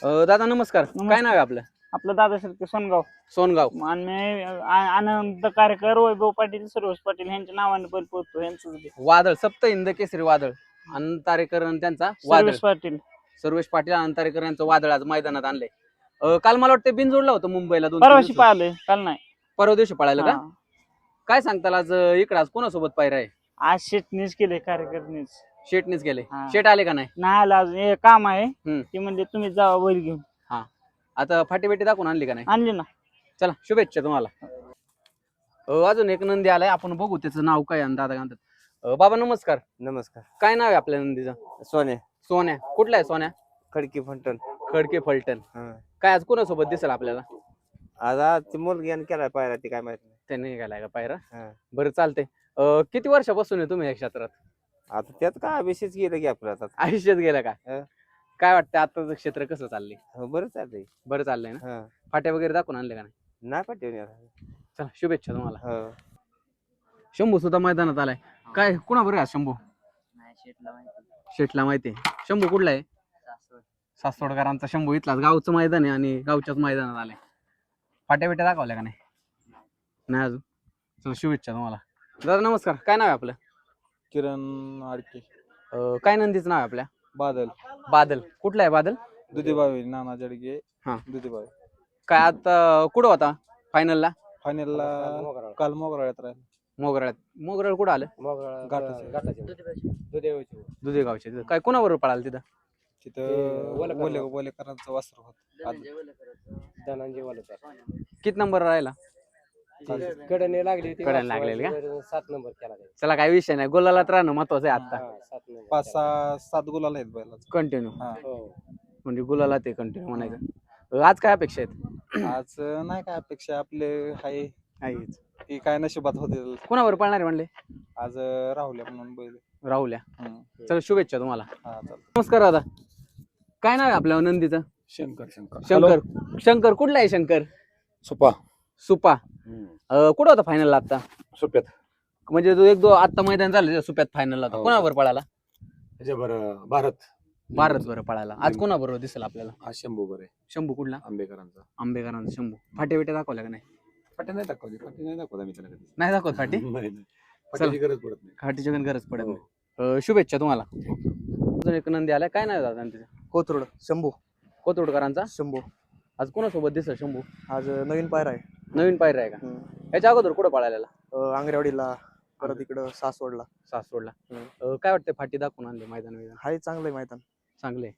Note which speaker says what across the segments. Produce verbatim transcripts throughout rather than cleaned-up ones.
Speaker 1: अ, दादा नमस्कार. काय नाव आहे आपलं?
Speaker 2: आपलं दादा शिर्के सोनगाव.
Speaker 1: सोनगाव.
Speaker 2: आणि आ- आनंद कार्यकर वैभव पाटील सर्वोज पाटील यांच्या नावाने बैल पोहतो यांचं
Speaker 1: वादळ सप्त हिंद केसरी वादळ अनंत तारेकर आणि त्यांचा वादळ
Speaker 2: सर्वोज पाटील
Speaker 1: सर्वेश पाटील अनंत तारेकर यांचं वादळ आज मैदानात आणलंय. अ, काल मला वाटतं बिनजोडला होतं मुंबईला दोन तीन
Speaker 2: परवाशी
Speaker 1: दिवस.
Speaker 2: पाहिलंय काल नाही.
Speaker 1: परवा दिवशी पळायला का?
Speaker 2: हा.
Speaker 1: काय सांगताल आज अ, इकडं आज कोणासोबत पायरा आहे?
Speaker 2: आज शेटनीच केले कार्यकर्नीच
Speaker 1: शेटनीच गेले.
Speaker 2: हा.
Speaker 1: शेट आले का नाही?
Speaker 2: नाही आलं अजून हे काम आहे.
Speaker 1: हम्म.
Speaker 2: ते म्हणजे तुम्ही जावा बैल घेऊन.
Speaker 1: हा. आता फाटी बेटी दाखवून आणली का नाही?
Speaker 2: आणली ना.
Speaker 1: चला शुभेच्छा तुम्हाला. अ, अजून एक नंदी आलाय, आपण बघू त्याचं नाव काय आणि दादा काय म्हणतात. अ, बाबा नमस्कार.
Speaker 3: नमस्कार.
Speaker 1: काय नाव आहे आपल्या नंदीचं?
Speaker 3: सोने
Speaker 1: सोन्या. कुठला आहे सोन्या?
Speaker 3: खडकी फंटन.
Speaker 1: खडके फलटण.
Speaker 3: हा.
Speaker 1: काय आज कोणासोबत दिसेल आपल्याला?
Speaker 3: आज आज ती मुलगी आणि केलाय पाहिला ती काय माहित नाही.
Speaker 1: त्यांनी गेलाय का पायरा?
Speaker 3: हा.
Speaker 1: बरं चालतंय. अ, किती वर्षापासून आहे तुम्ही या क्षेत्रात?
Speaker 3: आता त्यात काय अभिषेक गेलं की आपलं आता.
Speaker 1: आयुष्यात गेला का?
Speaker 3: हा.
Speaker 1: काय वाटतं आताचं क्षेत्र कसं चाललंय?
Speaker 3: हो, बरं चाललंय.
Speaker 1: बरं चाललंय ना?
Speaker 3: हा.
Speaker 1: फाट्या वगैरे दाखवून आणले का नाही?
Speaker 3: नाही पाठवून यार.
Speaker 1: चला शुभेच्छा तुम्हाला.
Speaker 3: हो.
Speaker 1: शंभू सुद्धा मैदानात आलाय. काय कुणा बरं शंभू? शेटला माहिती आहे. शंभू कुठला आहे? सासवडकरांचा शंभू. इथलाच गावचं मैदान आहे आणि गावच्याच मैदानात आलाय. फाट्या बिट्या दाखवल्या का नाही? नाही अजून. चला शुभेच्छा तुम्हाला. दादा नमस्कार. काय नाव आहे आपलं?
Speaker 4: किरण आडके.
Speaker 1: अ, काय नंदीचं नाव आहे आपल्या?
Speaker 4: बादल.
Speaker 1: बादल. कुठला आहे बादल?
Speaker 4: दुधीबावी नाना जडगे.
Speaker 1: हा.
Speaker 4: दुधीबावी.
Speaker 1: काय आता कुठं होता फायनलला?
Speaker 4: फायनलला काल मोगराळ्यात राहील.
Speaker 1: मोगराळ्यात. मोगराळ कुठं आलं? दुधे गावचे. काय कोणाबरोबर पळाल तिथं?
Speaker 4: तिथं बोले बोलेकरांचं वासरू होत.
Speaker 1: किती नंबर राहिला?
Speaker 5: कडने लागली
Speaker 1: कड्याला लागलेली का?
Speaker 5: सात नंबर केला
Speaker 1: चला काही विषय नाही. गोलालात राहणं महत्वाचं आहे आता.
Speaker 5: सात नंबर
Speaker 4: पाच सहा सात गुलाल आहेत बैलाचं.
Speaker 1: कंटिन्यू.
Speaker 4: हा.
Speaker 1: म्हणजे गुलाला ते कंटिन्यू म्हणायचं. आज काय अपेक्षा आहेत?
Speaker 4: आज नाही काय अपेक्षा आपले हाय
Speaker 1: आहेच.
Speaker 4: ती काय नशिबात होते.
Speaker 1: कोणावर पळणार म्हणले?
Speaker 4: आज राहुल्या म्हणून बैल.
Speaker 1: राहुल्या.
Speaker 4: हम्म.
Speaker 1: चला शुभेच्छा तुम्हाला.
Speaker 4: हा चालतं.
Speaker 1: नमस्कार दादा. काय नाव आहे आपल्या नंदीचं?
Speaker 4: शंकर शंकर
Speaker 1: शंकर. शंकर कुठला आहे शंकर?
Speaker 4: सुपा.
Speaker 1: सुपा. अ, कुठं होता फायनलला आता?
Speaker 4: सुप्यात.
Speaker 1: म्हणजे तो एक दो आता मैदान झालं त्या सुप्यात फायनलला होता.
Speaker 4: हो.
Speaker 1: कोणावर पळाला?
Speaker 4: बरं भारत.
Speaker 1: भारत बरं पळाला. आज कोणाबरोबर दिसेल आपल्याला?
Speaker 4: हा शंभू बरे.
Speaker 1: शंभू कुठला?
Speaker 4: आंबेकरांचा.
Speaker 1: आंबेकरांचा शंभू. फाटे बिटे दाखवल्या का नाही?
Speaker 4: फाटी नाही दाखवली. फाटी नाही दाखवत आम्ही त्याला कधी.
Speaker 1: नाही दाखवत फाटी?
Speaker 4: फाटीची गरज पडत नाही.
Speaker 1: फाटीच्या पण गरज पडत नाही. अ, शुभेच्छा तुम्हाला. अजून एक नंदी आलाय. काय नाही दादा नंदीचं?
Speaker 6: कोथरूड शंभू.
Speaker 1: कोथरूडकरांचा
Speaker 6: शंभू
Speaker 1: आज कोणासोबत दिसेल शंभू?
Speaker 6: आज नवीन पायरा आहे.
Speaker 1: नवीन पायरा आहे का? याच्या अगोदर कुठं पळालेला?
Speaker 6: अं, आंगरेवाडीला परत इकडं सासवडला.
Speaker 1: सासवडला.
Speaker 6: हम्म.
Speaker 1: अ, काय वाटतं फाटी दाखवून आणले मैदान मैदान
Speaker 6: हाय चांगलं आहे मैदान.
Speaker 1: चांगले.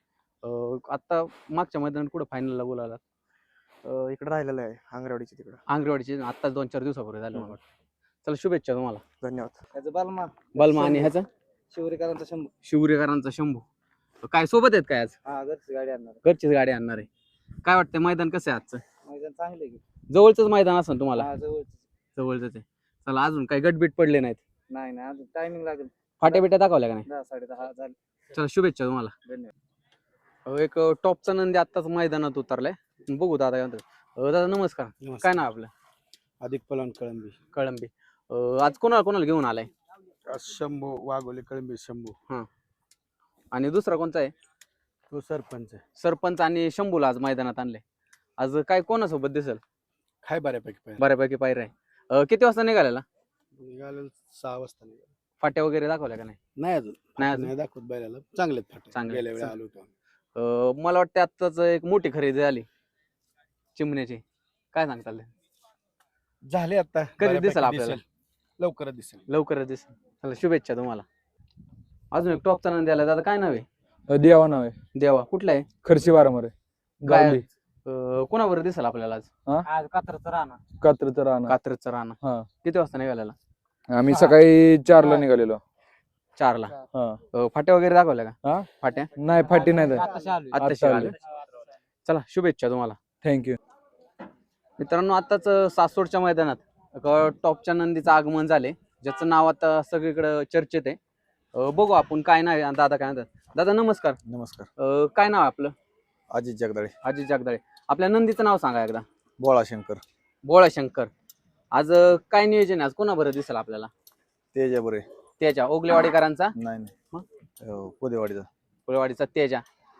Speaker 1: आता मागच्या मैदानात कुठं फायनलला बोलायला?
Speaker 6: अं, इकडं राहिलेलं आहे आंगरेवाडीची तिकडं.
Speaker 1: आंगरेवाडीची आता दोन चार दिवसापूर्वी झालं मला वाटतं. चला शुभेच्छा तुम्हाला.
Speaker 6: धन्यवाद.
Speaker 5: त्याचं बालमा
Speaker 1: बलमा आणि ह्याचं
Speaker 5: शिवरेकरांचा शंभू.
Speaker 1: शिवरेकरांचा शंभू. काय सोबत आहेत काय आज?
Speaker 5: हा घरची गाडी आणणार.
Speaker 1: घरचीच गाडी आणणार आहे. काय वाटतं मैदान कसं आहे आजचं?
Speaker 5: मैदान चांगले की
Speaker 1: जवळच मैदान असेल तुम्हाला?
Speaker 5: हा जवळच.
Speaker 1: जवळच आहे. चला अजून काही गटबीट पडले नाहीत?
Speaker 5: नाही नाही अजून टायमिंग लागेल.
Speaker 1: फाट्या बिट्या दाखवल्या का नाही?
Speaker 5: दहा साडे दहा झाले.
Speaker 1: चला शुभेच्छा तुम्हाला.
Speaker 5: धन्यवाद.
Speaker 1: अ, एक टॉपचा नंदी आत्ताच मैदानात उतरलाय. बघू दादा काय म्हणतात. अ, दादा नमस्कार. काय नाव आपलं?
Speaker 4: अधिक पलान कळंबी.
Speaker 1: कळंबी. अ, आज कोणाला कोणाला घेऊन आलाय?
Speaker 4: शंभू वाघोले कळंबी शंभू.
Speaker 1: आणि दुसरा कोणता आहे?
Speaker 4: तो सरपंच आहे.
Speaker 1: सरपंच आणि शंभूला आज मैदानात आणले. आज काय कोणासोबत दिसेल?
Speaker 4: काय बऱ्यापैकी पाहिजे.
Speaker 1: बऱ्यापैकी पायरा आहे. अ, किती वाजता निघालेला?
Speaker 4: निघाले सहा वाजता निघाले.
Speaker 1: फाट्या वगैरे दाखवल्या का नाही?
Speaker 4: नाही अजून
Speaker 1: नाही अजून.
Speaker 4: नाही दाखवत बैलाला. चांगलेत फाटे.
Speaker 1: चांगले.
Speaker 4: गेल्या वेळी आलो होतो.
Speaker 1: अ, मला वाटतं आत्ताच एक मोठी खरेदी झाली चिमण्याची. काय सांगताल?
Speaker 4: झाले आता.
Speaker 1: कधी दिसेल आपल्याला?
Speaker 4: लवकरच दिसेल.
Speaker 1: लवकरच दिसेल. चला शुभेच्छा तुम्हाला. अजून एक टॉपचा नंदी आला. दादा काय नाव आहे?
Speaker 7: देवा नाव आहे.
Speaker 1: देवा. कुठला आहे?
Speaker 7: खर्ची वारंवार आहे.
Speaker 1: काय
Speaker 7: गावली.
Speaker 1: अ, कोणाबरोबर दिसेल आपल्याला आज?
Speaker 5: आज कात्रचं राहणार.
Speaker 7: कात्रचं राहणार.
Speaker 1: कात्रजचा राणा.
Speaker 7: हा.
Speaker 1: किती वाजता निघालेला?
Speaker 7: आम्ही सकाळी चारला निघालेलो.
Speaker 1: चारला.
Speaker 7: हा.
Speaker 1: अ, फाट्या वगैरे दाखवल्या का?
Speaker 7: हा?
Speaker 1: फाट्या
Speaker 7: नाही फाटी नाही
Speaker 5: आताशी आलोय.
Speaker 1: आत्ताशी
Speaker 7: आत्ता
Speaker 1: आले. चला शुभेच्छा तुम्हाला.
Speaker 7: थँक्यू.
Speaker 1: मित्रांनो आताच सासवडच्या मैदानात एका टॉपच्या नंदीचं आगमन झाले, ज्याचं नाव आता सगळीकडे चर्चेत आहे. अ, बघू आपण काय नाव आहे. दादा काय म्हणतात. दादा नमस्कार.
Speaker 4: नमस्कार.
Speaker 1: अ, काय नाव आहे आपलं?
Speaker 4: अजित जगदाळे.
Speaker 1: अजित जगदाळे. आपल्या नंदीचं नाव सांगा एकदा.
Speaker 4: बोळा शंकर.
Speaker 1: बोळा शंकर. आज अ, काय नियोजन आहे? आज कोणा बरं दिसेल आपल्याला?
Speaker 4: तेजा बरे.
Speaker 1: त्याच्या ओगलेवाडीकरांचा
Speaker 4: नाही
Speaker 1: मग?
Speaker 4: नाही पुदेवाडीचा.
Speaker 1: ओगलेवाडीचा तेजा.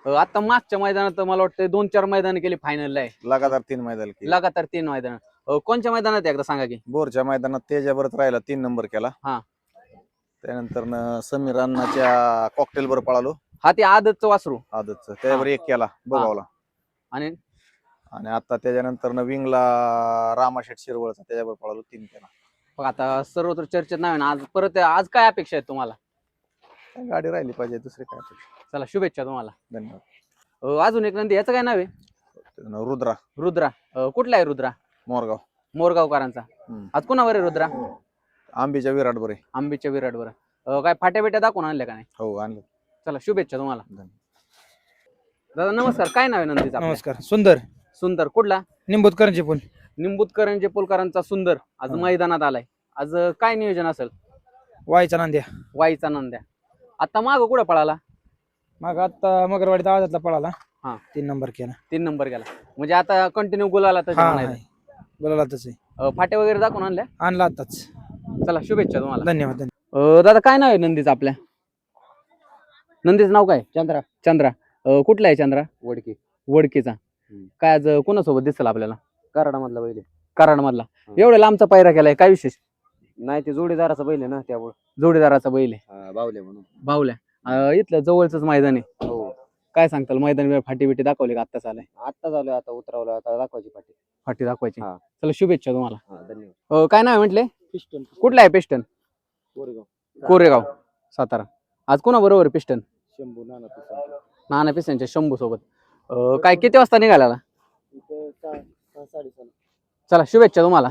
Speaker 1: अं, आता मागच्या मैदानात मला वाटतं दोन चार मैदान केली फायनलला आहे
Speaker 8: लगातार तीन मैदान केले
Speaker 1: लगातार तीन मैदान कोणत्या मैदानात आहे एकदा सांगा की
Speaker 8: बोरच्या मैदानात तेजाबरच राहिला तीन नंबर केला
Speaker 1: हा.
Speaker 8: त्यानंतर न समीर अण्णाच्या कॉकटेल वर पळालो
Speaker 1: हा ते आदतचं वासरू
Speaker 8: आदतच त्याच्यावर एक केला बोगावला
Speaker 1: आणि
Speaker 8: आणि आता त्याच्यानंतर न विंगला रामाशेठ शिरवळचा त्याच्यावर पळालो तीन केला
Speaker 1: बघ आता सर्वत्र चर्चेत नाही ना आज परत आज काय अपेक्षा आहे तुम्हाला
Speaker 8: काय गाडी राहिली पाहिजे दुसरी काय अपेक्षा.
Speaker 1: चला शुभेच्छा तुम्हाला
Speaker 8: धन्यवाद
Speaker 1: अं, अजून एक नंदी याचं काय नाव आहे
Speaker 8: त्याचं रुद्रा
Speaker 1: रुद्रा अं, कुठला आहे रुद्रा
Speaker 8: मोरगाव
Speaker 1: मोरगावकरांचा
Speaker 8: हम्म.
Speaker 1: आज कुणावर आहे रुद्रा
Speaker 8: आंबीच्या विराट बरे
Speaker 1: आंबीच्या विराटवर अं, काय फाट्या बिट्या दाखवून आणल्या का नाही
Speaker 8: हो आणलं
Speaker 1: चला शुभेच्छा तुम्हाला
Speaker 8: धन्यवाद.
Speaker 1: दादा नमस्कार काय नाव आहे नंदीचा आपल्या?
Speaker 4: नमस्कार सुंदर
Speaker 1: सुंदर कुठला
Speaker 4: निंबूतकरांचे पण
Speaker 1: निंबूतकरांचे पोलकरांचा सुंदर आज
Speaker 4: हा.
Speaker 1: मैदानात आलाय आज अं, काय नियोजन असेल
Speaker 4: वायचा नांद्या
Speaker 1: वाईचा नंद्या आता माग कुठं पळाला
Speaker 4: मग आता मगरवाडीत आवाजातला पळाला
Speaker 1: हा.
Speaker 4: तीन नंबर केला
Speaker 1: तीन नंबर गेला म्हणजे आता कंटिन्यू गुलाला तर
Speaker 4: हा
Speaker 1: म्हणायचं.
Speaker 4: बोलायला तसे
Speaker 1: अं, फाटे वगैरे दाखवून आणल्या
Speaker 4: आणला आताच
Speaker 1: चला शुभेच्छा तुम्हाला
Speaker 4: धन्यवाद धन्यवाद
Speaker 1: अं, दादा काय नाव आहे नंदीचं आपल्या नंदीचं नाव काय
Speaker 5: चंद्रा
Speaker 1: चंद्रा अं, कुठला आहे चंद्रा
Speaker 5: वडकी
Speaker 1: वडकीचा काय आज अं, कोणासोबत दिसेल आपल्याला
Speaker 5: कराडा मधला बैल आहे.
Speaker 1: कराड मधला एवढ्या लांबचा पायरा केलाय काय विशेष
Speaker 5: नाही ते जोडीदाराचा बैल आहे ना त्यामुळे
Speaker 1: जोडीदाराचा बैल आहे
Speaker 5: बावले म्हणून
Speaker 1: बाहुल्या अं, इथलं जवळच मैदान आहे
Speaker 5: हो
Speaker 1: काय सांगताल मैदान फाटी बिटी दाखवली का आत्ताच आलाय
Speaker 5: आत्ता झालं आता उतरवलं आता दाखवायची पाठी
Speaker 1: फाटी दाखवायची
Speaker 5: हा.
Speaker 1: चला शुभेच्छा तुम्हाला
Speaker 5: हा धन्यवाद
Speaker 1: अं, काय नाव आहे म्हटले
Speaker 5: पिस्टन
Speaker 1: कुठला आहे पिस्टन
Speaker 5: कोरेगाव
Speaker 1: कोरेगाव सातारा आज कोणा बरोबर पिस्टन
Speaker 5: शंभू नाना पिस्टन
Speaker 1: नाना पिस्टनच्या शंभू सोबत अं, काय किती वाजता निघाला
Speaker 5: इथं सहा सहा साडेसहा
Speaker 1: चला शुभेच्छा तुम्हाला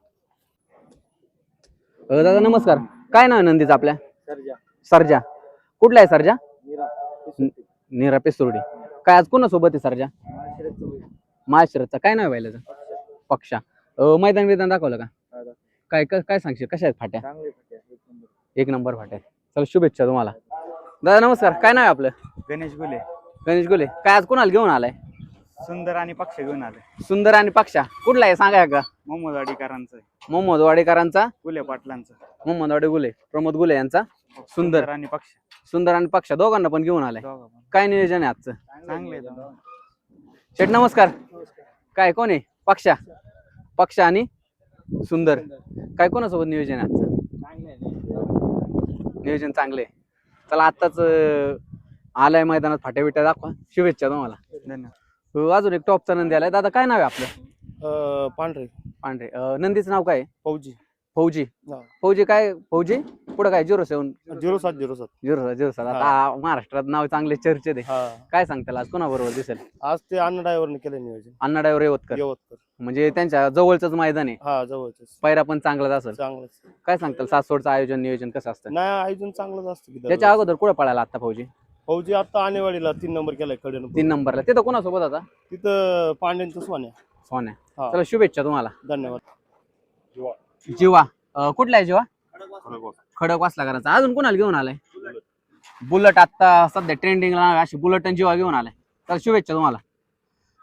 Speaker 1: अं, दादा नमस्कार काय नाव आहे नंदीचं आपल्या
Speaker 5: सर्जा
Speaker 1: सरजा कुठला आहे सरजा
Speaker 5: मीरा
Speaker 1: नीरा पिस्तुर्डी काय आज कोणासोबत आहे सरजा महाशिरतचा काय नाव आहे बैलाचं पक्षा अं, मैदान मैदान दाखवलं का काय काय काय सांगशील कशा आहेत फाट्या
Speaker 5: चांगले पाठी एक नंबर
Speaker 1: एक नंबर फाट्या चला शुभेच्छा तुम्हाला दादा नमस्कार काय नाव आहे आपलं
Speaker 2: गणेश गुले
Speaker 1: गणेश गोले काय आज कोणाला घेऊन आलाय
Speaker 2: सुंदर आणि पक्ष घेऊन आले
Speaker 1: सुंदर आणि पक्षा कुठला आहे सांगा का
Speaker 2: मोहम्मद वाडीकरांचं
Speaker 1: मोहम्मद वाडेकरांचा
Speaker 2: गुले पाटलांचं
Speaker 1: मोहम्मद वाडे गुले प्रमोद गुले यांचा सुंदर
Speaker 2: आणि पक्ष
Speaker 1: सुंदर आणि पक्षा दोघांना पण घेऊन आलाय
Speaker 2: दोघं पण.
Speaker 1: काय नियोजन आहे आजचं
Speaker 2: चांगले
Speaker 1: शेठ नमस्कार काय कोण आहे पक्षा पक्षा आणि सुंदर काय कोणासोबत नियोजन आहे आजचं नियोजन चांगले चला आत्ताच अं, आलाय मैदानात फाट्या बिट्या दाखवा शुभेच्छा तुम्हाला
Speaker 2: धन्यवाद
Speaker 1: हो, अजून एक टॉपचा नंदी आलाय दादा काय नाव आहे आपलं
Speaker 6: पांढरे
Speaker 1: पांढरे अं, नंदीचं नाव काय आहे?
Speaker 6: फौजी
Speaker 1: फौजी
Speaker 6: हा.
Speaker 1: फौजी काय फौजी पुढे काय झिरो सेवन
Speaker 6: झिरो सात झिरो सात
Speaker 1: झिरो झिरो सात आता महाराष्ट्रात नाव चांगले चर्चेत आहे
Speaker 6: हा
Speaker 1: काय सांगताल आज कोणाबरोबर दिसेल
Speaker 6: आज ते अन्न ड्रायव्हरने केलं नियोजन
Speaker 1: अण्णा ड्रायव्हर येवतकर
Speaker 6: यवतकर
Speaker 1: म्हणजे त्यांच्या जवळच मैदान आहे
Speaker 6: हा जवळच
Speaker 1: पायरा पण चांगलाच असेल
Speaker 6: चांगलंच
Speaker 1: काय सांगताल सासवडचं आयोजन नियोजन कसं असतं
Speaker 6: नाही आयोजन चांगलंच असतं की
Speaker 1: त्याच्या अगोदर कुठं पळाला आता फौजी
Speaker 6: फौजी आता आणेवाडीला तीन नंबर केलाय कडे
Speaker 1: तीन नंबरला तिथं कोणासोबत आता
Speaker 6: तिथं पांड्यांचं सोन्या
Speaker 1: सोन्या
Speaker 6: हा.
Speaker 1: चला शुभेच्छा तुम्हाला
Speaker 6: धन्यवाद
Speaker 1: जीवा अं, कुठला आहे जीवा खडक वाचला करायचा अजून कोणाला घेऊन आलाय बुलट आता सध्या ट्रेंडिंगला अशी बुलट आणि जीवा घेऊन आलाय तर शुभेच्छा तुम्हाला